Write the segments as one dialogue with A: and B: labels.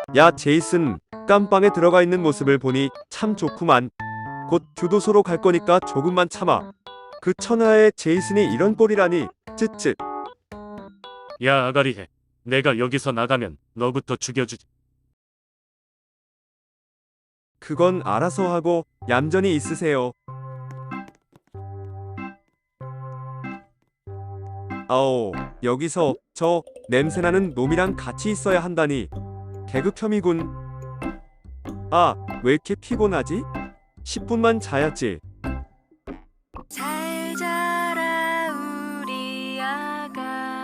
A: 야, 제이슨, 깜빵에 들어가 있는 모습을 보니 참 좋구만. 곧 교도소로 갈 거니까 조금만 참아. 그 천하의 제이슨이 이런 꼴이라니. 쯧쯧.
B: 야, 아가리해. 내가 여기서 나가면 너부터 죽여주지.
A: 그건 알아서 하고 얌전히 있으세요. 아오, 여기서 저 냄새나는 놈이랑 같이 있어야 한다니. 계급혐이군. 아, 왜 이렇게 피곤하지? 10분만 자야지.
C: 잘 자라 우리 아가.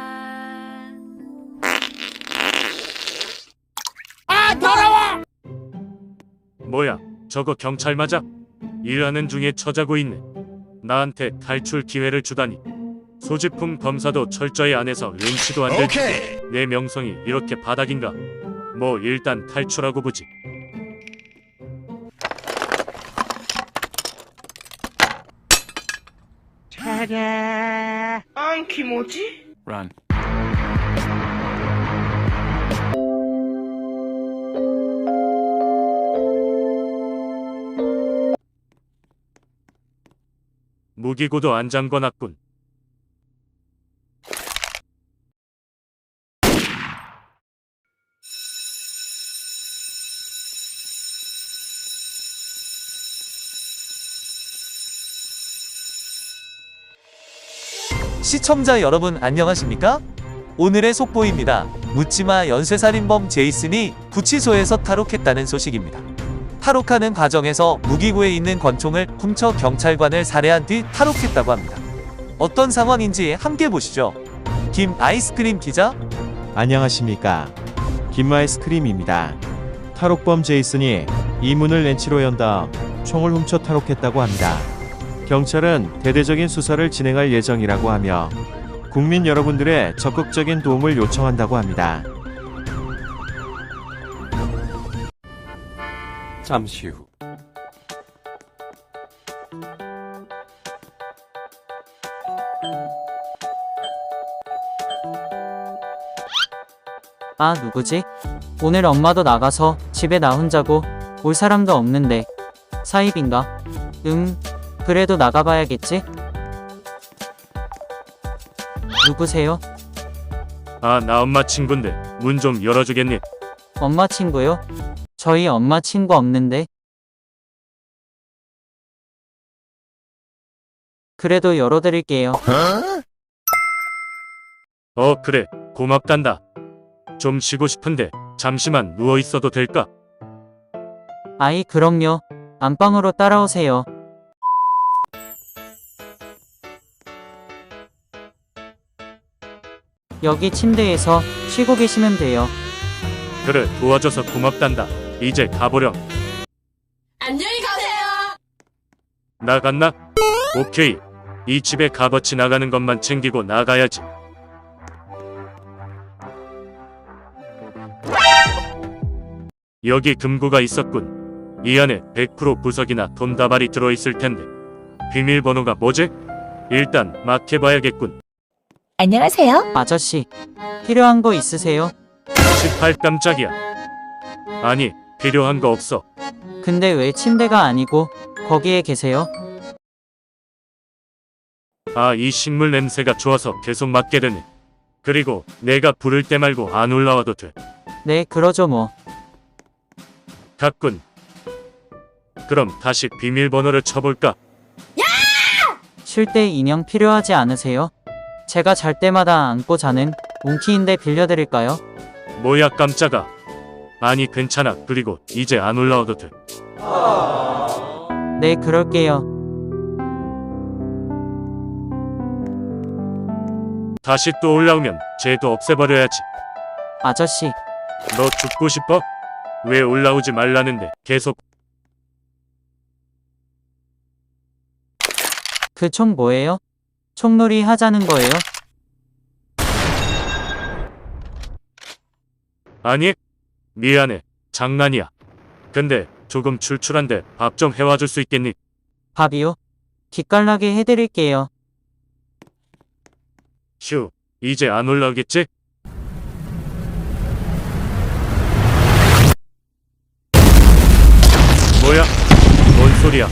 B: 뭐야, 저거 경찰 맞아? 일하는 중에 처자고 있네. 나한테 탈출 기회를 주다니. 소지품 검사도 철저히 안 해서 렌치도 안 될 텐데 내 명성이 이렇게 바닥인가? 뭐 일단 탈출하고 보지.
D: 안 키모지?
E: Run.
B: 무기고도 안 잠궈놨군.
F: 시청자 여러분 안녕하십니까? 오늘의 속보입니다. 묻지마 연쇄살인범 제이슨이 구치소에서 탈옥했다는 소식입니다. 탈옥하는 과정에서 무기고에 있는 권총을 훔쳐 경찰관을 살해한 뒤 탈옥했다고 합니다. 어떤 상황인지 함께 보시죠. 김 아이스크림 기자?
G: 안녕하십니까. 김아이스크림입니다. 탈옥범 제이슨이 이 문을 렌치로 연 다음 총을 훔쳐 탈옥했다고 합니다. 경찰은 대대적인 수사를 진행할 예정이라고 하며 국민 여러분들의 적극적인 도움을 요청한다고 합니다.
E: 잠시 후.
H: 아, 누구지? 오늘 엄마도 나가서 집에 나 혼자고 올 사람도 없는데 사입인가? 그래도 나가봐야겠지? 누구세요?
B: 아, 나 엄마 친구인데 문 좀 열어주겠니?
H: 엄마 친구요? 저희 엄마 친구 없는데. 그래도 열어드릴게요.
B: 그래, 고맙단다. 좀 쉬고 싶은데 잠시만 누워 있어도 될까?
H: 아이, 그럼요. 안방으로 따라오세요. 여기 침대에서 쉬고 계시면 돼요.
B: 그래, 도와줘서 고맙단다. 이제 가보렴.
C: 안녕히 가세요.
B: 나갔나? 오케이. 이 집에 값어치 나가는 것만 챙기고 나가야지. 여기 금고가 있었군. 이 안에 100% 부석이나 돈다발이 들어있을 텐데. 비밀번호가 뭐지? 일단 막 해봐야겠군.
C: 안녕하세요.
H: 아저씨, 필요한 거 있으세요?
B: 18 깜짝이야. 아니, 필요한 거 없어.
H: 근데 왜 침대가 아니고 거기에 계세요?
B: 아, 이 식물 냄새가 좋아서 계속 맡게 되네. 그리고 내가 부를 때 말고 안 올라와도 돼.
H: 네, 그러죠 뭐.
B: 갔군. 그럼 다시 비밀번호를 쳐볼까?
H: 쉴 때 인형 필요하지 않으세요? 제가 잘 때마다 안고 자는 몽키인데 빌려드릴까요?
B: 뭐야, 깜짝아. 아니, 괜찮아. 그리고 이제 안 올라와도 돼.
H: 네, 그럴게요.
B: 다시 또 올라오면 쟤도 없애버려야지.
H: 아저씨,
B: 너 죽고 싶어? 왜 올라오지 말라는데 계속.
H: 그 총 뭐예요? 총놀이 하자는 거예요?
B: 아니, 미안해. 장난이야. 근데 조금 출출한데 밥 좀 해와줄 수 있겠니?
H: 밥이요? 기깔나게 해드릴게요.
B: 휴, 이제 안 올라오겠지? 소리야?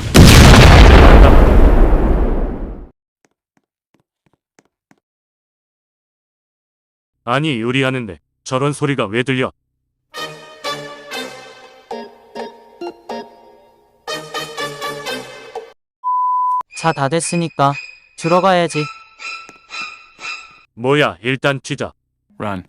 B: 아니, 요리하는데 저런 소리가 왜 들려?
H: 자, 다 됐으니까 들어가야지.
B: 뭐야, 일단 튀자.
D: Run.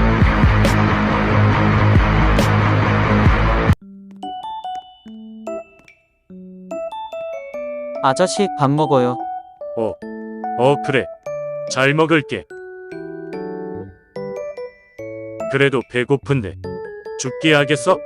H: 아저씨, 밥 먹어요.
B: 그래. 잘 먹을게. 그래도 배고픈데 죽기 하겠어?